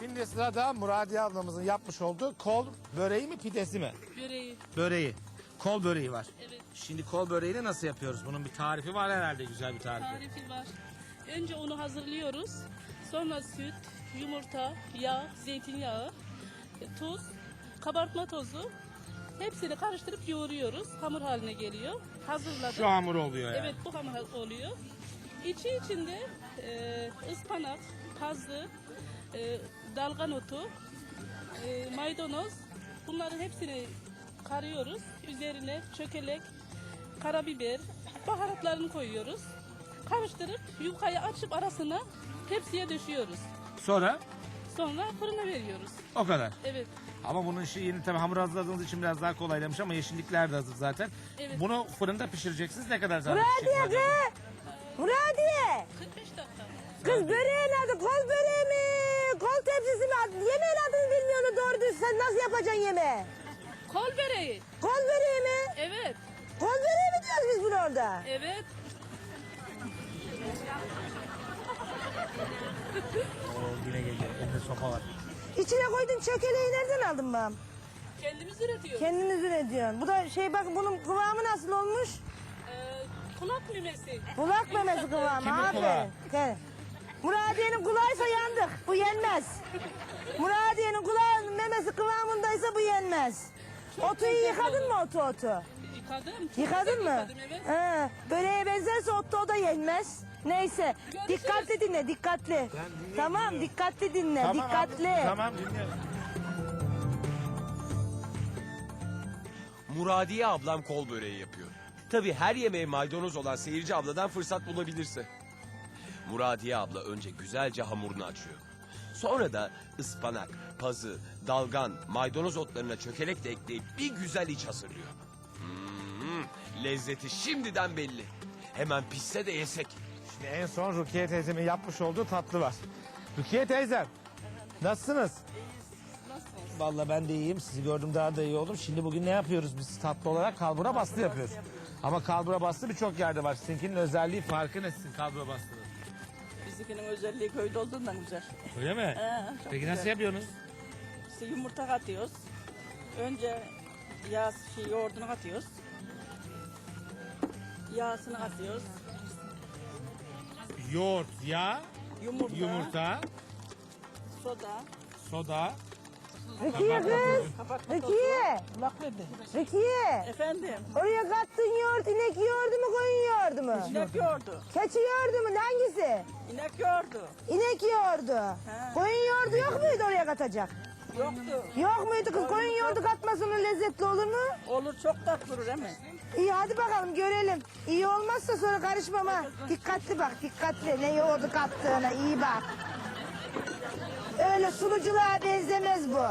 Şimdi sırada Muradiye ablamızın yapmış olduğu kol böreği mi pidesi mi? Böreği. Böreği. Kol böreği var. Evet. Şimdi kol böreğini nasıl yapıyoruz? Bunun bir tarifi var herhalde, güzel bir tarifi. Tarifi var. Önce onu hazırlıyoruz. Sonra süt, yumurta, yağ, zeytinyağı, tuz, kabartma tozu. Hepsini karıştırıp yoğuruyoruz. Hamur haline geliyor. Hazırladık. Şu hamur oluyor yani. Evet, bu hamur oluyor. İçi içinde ıspanak, pazı, dalgan otu, maydanoz. Bunların hepsini karıyoruz. Üzerine çökelek, karabiber, baharatlarını koyuyoruz. Karıştırıp yufkayı açıp arasına tepsiye döşüyoruz. Sonra Sonra fırına veriyoruz. o kadar. Evet. Ama bunun işi yeni, tabii hamur hazırladığınız için biraz daha kolaylamış ama yeşillikler de hazır zaten. Evet. Bunu fırında pişireceksiniz. Ne kadar zaman Muradiye pişecek? kız! Muradiye! 45 dakika. Kız böreğin adı kol böreği mi? Kol tepsisi mi? Yemeğin adını bilmiyorsun doğru düz. Sen nasıl yapacaksın yemeği? Kol böreği. Kol böreği mi? Evet. Kol böreği mi diyoruz biz bunu orada? Evet. Oo, yine geliyor. Elinde sopa var. İçine koydun çökeleği nereden aldın ben? Kendimiz üretiyoruz. Kendiniz üretiyorsun. Bu da şey bak bunun kıvamı nasıl olmuş? Kulak memesi. Kulak memesi kıvamı. Kimin aferin. kulağı? Gel. Muradiye'nin kulağıysa yandık. Bu yenmez. Muradiye'nin kulağının memesi kıvamındaysa bu yenmez. Otu iyi yıkadın mı otu? Yıkadım. Çok Yıkadın güzel mı? Yıkadım, evet. He, böreğe benzerse o da yenmez. Neyse. Görüşürüz. Dikkatli dinle, dikkatli. Tamam, dikkatli dinle, dikkatli. Abi, tamam dinliyorum. Muradiye ablam kol böreği yapıyor. Tabii her yemeğe maydanoz olan seyirci abladan fırsat bulabilirse. Muradiye abla önce güzelce hamurunu açıyor. Sonra da ıspanak, pazı, dalgan, maydanoz otlarına çökelek de ekleyip bir güzel iç hazırlıyor. Lezzeti şimdiden belli. Hemen pişse de yesek. Şimdi en son Rukiye teyzemin yapmış olduğu tatlı var. Rukiye teyzem, nasılsınız? Vallahi ben de iyiyim. Sizi gördüm daha da iyi oldum. Şimdi bugün ne yapıyoruz biz tatlı olarak? Kalbura bastı yapıyoruz. Ama kalbura bastı birçok yerde var. Sizinkinin özelliği, farkı ne sizin kalbura bastığınız? Bizimkinin özelliği köyde olduğundan güzel. Öyle mi? Çok Peki güzel. nasıl yapıyorsunuz? İşte yumurta katıyoruz. Önce yoğurdunu katıyoruz. Yağsını katıyoruz. Yoğurt, yağ, Yumurta, yumurta, soda, soda. Rukiye kız, kabartma tozu. Rukiye, Kulak verdi. Rukiye. Efendim, Oraya kattığın yoğurt inek yoğurdu mu, koyun yoğurdu mu? inek yoğurdu. Keçi yoğurdu mu, hangisi? İnek yoğurdu. İnek yoğurdu. Koyun yoğurdu yok muydu oraya katacak? Yoktu. Yok muydu kız? Koyun yoğurdu katmasının lezzetli olur mu? Olur, çok tatlı olur değil mi? İyi hadi bakalım görelim. İyi olmazsa sonra karışmam ha. Dikkatli bak dikkatli. Ne yoğurdu kattığına iyi bak. Öyle sunuculuğa benzemez bu.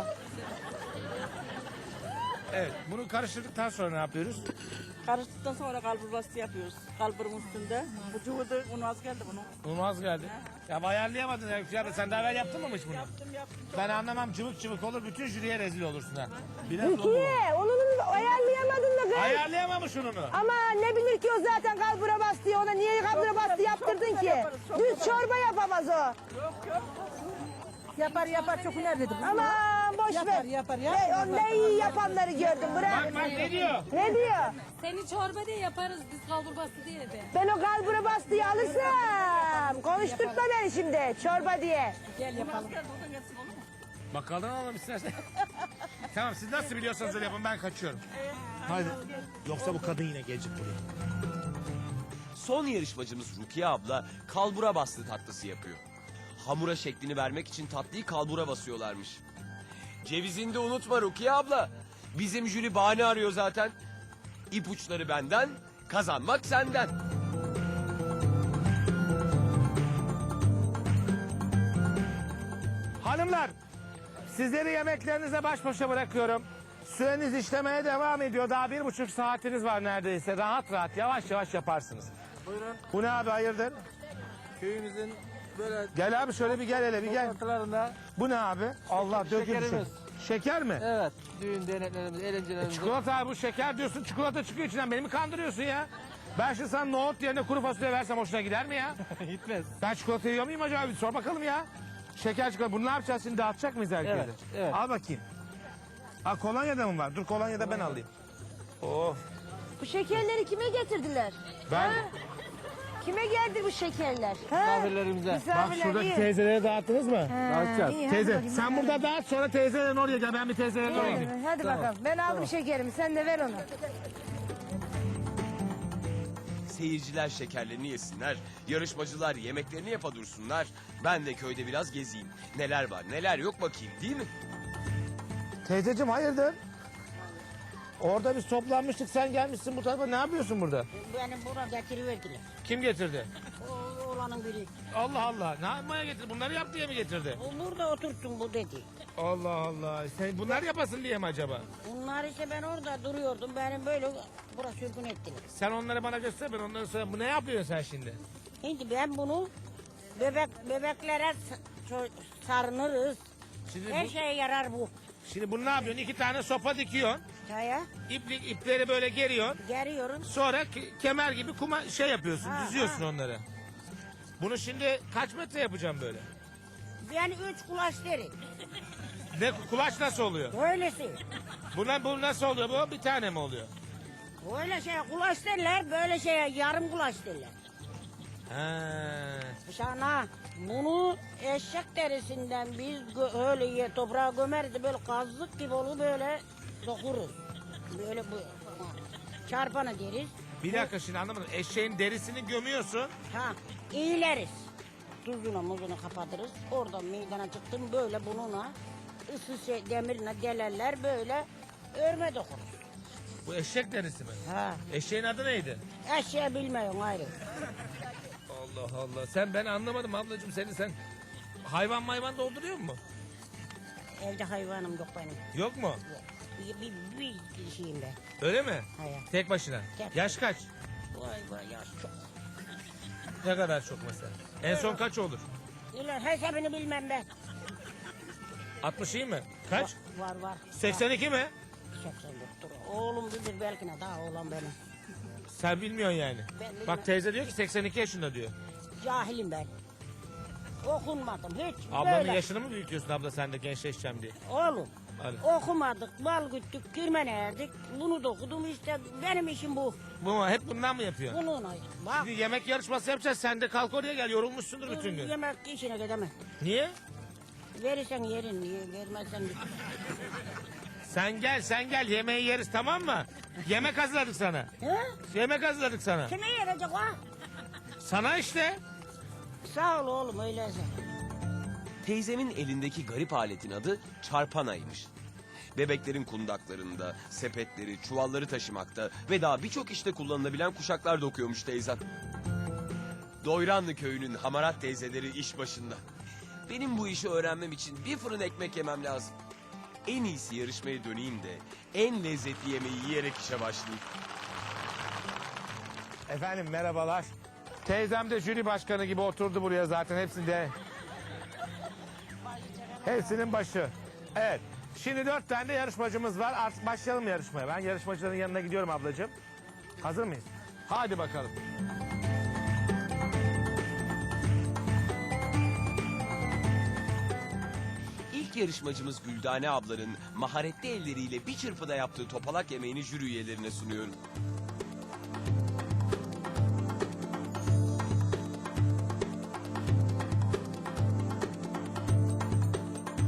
Evet, bunu karıştırdıktan sonra ne yapıyoruz? Karıştıktan sonra kalbur bastı yapıyoruz. Kalburun üstünde. Bu cuhudu, un az geldi bunun. Unmaz geldi. Ya ayarlayamadın ya. Ya sen daha evvel yaptın mı hiç bunu? Yaptım. Ben anlamam, cıvık cıvık olur, bütün jüriye rezil olursun ha. Biraz dolu. Rukiye onu ayarlayamadın mı kız? Ayarlayamamış ununu. Ama ne bilir ki o zaten kalbura bastı. Ona niye kalbura bastı yaptırdın güzel ki? yaparız, çok Düz güzel. çorba yapamaz o. Yok. Yapar çok hüner dedim. Aman boş ver. Yapar. Onda iyi yapanları gördüm bırak. Bak ne diyor? Ne diyor? Seni çorba diye yaparız biz kalburbası diye de. Ben o kalbura bastıyı alırsam konuşturtma beni şimdi çorba diye. Gel yapalım. Bakalım alalım istersen. Tamam siz nasıl biliyorsanız öyle yapın, ben kaçıyorum. Hadi. Yoksa bu kadın yine gelecek buraya. Son yarışmacımız Rukiye abla kalbura bastı tatlısı yapıyor. Hamura şeklini vermek için tatlıyı kalbura basıyorlarmış. Cevizini de unutma Rukiye abla. Bizim jüri bahane arıyor zaten. İpuçları benden, kazanmak senden. Hanımlar, sizleri yemeklerinize baş başa bırakıyorum. Süreniz işlemeye devam ediyor. Daha 1,5 saatiniz var neredeyse. Rahat rahat, yavaş yavaş yaparsınız. Buyurun. Bu ne abi, hayırdır? Köyümüzün böyle Gel abi şöyle bir gel, hele bir gel. ortalarında Bu ne abi? Allah dökülmüş. şekerimiz. Şeker mi? evet düğün derneklerimiz, eğlencelerimiz. Çikolata abi, bu şeker diyorsun, çikolata çıkıyor içinden. Beni mi kandırıyorsun ya? Ben şimdi sana nohut yerine kuru fasulye versem hoşuna gider mi ya? Gitmez. Ben çikolata yiyor muyum acaba? Bir sor bakalım ya. şeker çikolata. Bunu ne yapacağız şimdi? Dağıtacak mıyız herkese? Evet, evet. Al bakayım. Ha kolonyada mı var? Dur kolonyada ben alayım. Of. Bu şekerleri kime getirdiler? Ben Ha? Kime geldi bu şekerler? Ha? Misafirlerimize. bak Misafirler şuradaki iyi. teyzelere dağıttınız mı? Dağıtacağız. İyi, hadi Teyze bakayım, sen hadi. burada dağıt sonra teyzelerin oraya gel. Ben bir teyzelerin oraya gideyim. Hadi bakalım. Ben aldım şekerimi. Sen de ver onu. Seyirciler şekerlerini yesinler, yarışmacılar yemeklerini yapa dursunlar. Ben de köyde biraz gezeyim. Neler var neler yok bakayım değil mi? Teyzeciğim hayırdır? Orada biz toplanmıştık sen gelmişsin bu tarafa ne yapıyorsun burada? Beni buraya getiriverdiler. Kim getirdi? O oğlanın biri. Allah Allah ne yapmaya getirdi? Bunları yap diye mi getirdi? O burada otursun bu dedi. Allah Allah sen bunlar yapasın diye mi acaba? Bunlar ise ben orada duruyordum. Beni böyle buraya sürgün ettiler. Sen onları bana göster ben onları sonra bu ne yapıyorsun sen şimdi? Şimdi ben bunu bebeklere sarınırız. Şimdi, Her şeye yarar bu. şimdi bunu ne yapıyorsun? 2 tane sopa dikiyorsun. Çaya İpleri böyle geriyorsun. geriyorum. Sonra kemer gibi kuma şey yapıyorsun, Ha, düzüyorsun ha. onları. Bunu şimdi kaç metre yapacağım böyle? Yani 3 kulaç derim. Ne kulaç nasıl oluyor? Böylesi. Bu nasıl oluyor bu? Bir tane mi oluyor? Böyle şeye kulaç derler. Böyle şeye yarım kulaç derler. Ha. Sana bunu eşek derisinden biz öyle toprağa gömeriz de böyle kazık gibi olur böyle dokuruz. Böyle bu çarpanı deriz. Bir dakika şimdi anlamadım. Eşeğin derisini gömüyorsun. Ha iyileriz. Tuzunu muzunu kapatırız. Oradan meydana çıktım böyle bununla ısı demirine delerler böyle örme dokuruz. Bu eşek derisi mi? Ha Eşeğin adı neydi? eşeği bilmiyorum ayrı. Allah Allah. Ben anlamadım ablacığım sen hayvan dolduruyor mu? Evde hayvanım yok benim. Yok mu? Bir şeyim ben. Öyle mi? Hayır. Tek başına. Tek. Yaş kaç? Vay vay yaş çok. Ne kadar çok mesela? En son kaç olur? İlan hesabını bilmem ben. 60 iyi mi? Kaç? Var. 82 mi? 84'tür. Oğlum bilir belki ne daha oğlan benim. Sen bilmiyorsun yani. Ben bilmem. Bak teyze diyor ki 82 yaşında diyor. Cahilim ben. Okunmadım hiç. Ablanın böyle. yaşını mı büyütüyorsun abla sen de gençleşeceğim diye? Oğlum Hadi. okumadık, bal güttük, girmene erdik. Bunu da okudum işte benim işim bu. Bu mu? Hep bundan mı yapıyorsun? Bununla. Bak Şimdi yemek yarışması yapacağız. Sen de kalk oraya gel. Yorulmuşsundur bütün gün. yemek işine gidemem. Niye? Verirsen yerin, vermezsen git. Sen gel. Yemeği yeriz tamam mı? Yemek hazırladık sana. He? Yemek hazırladık sana. Kime yerecek ha? Sana işte. Sağ ol oğlum öyleyse. Teyzemin elindeki garip aletin adı çarpanaymış. Bebeklerin kundaklarında, sepetleri, çuvalları taşımakta ve daha birçok işte kullanılabilen kuşaklar dokuyormuş teyzem. Doyranlı köyünün hamarat teyzeleri iş başında. Benim bu işi öğrenmem için bir fırın ekmek yemem lazım. En iyisi yarışmaya döneyim de en lezzetli yemeği yiyerek işe başlayayım. Efendim merhabalar. Teyzem de jüri başkanı gibi oturdu buraya zaten hepsinin başı. Evet. Şimdi 4 tane de yarışmacımız var. Artık başlayalım yarışmaya. Ben yarışmacıların yanına gidiyorum ablacığım. Hazır mıyız? Hadi bakalım. İlk yarışmacımız Güldane ablanın maharetli elleriyle bir çırpıda yaptığı topalak yemeğini jüri üyelerine sunuyorum.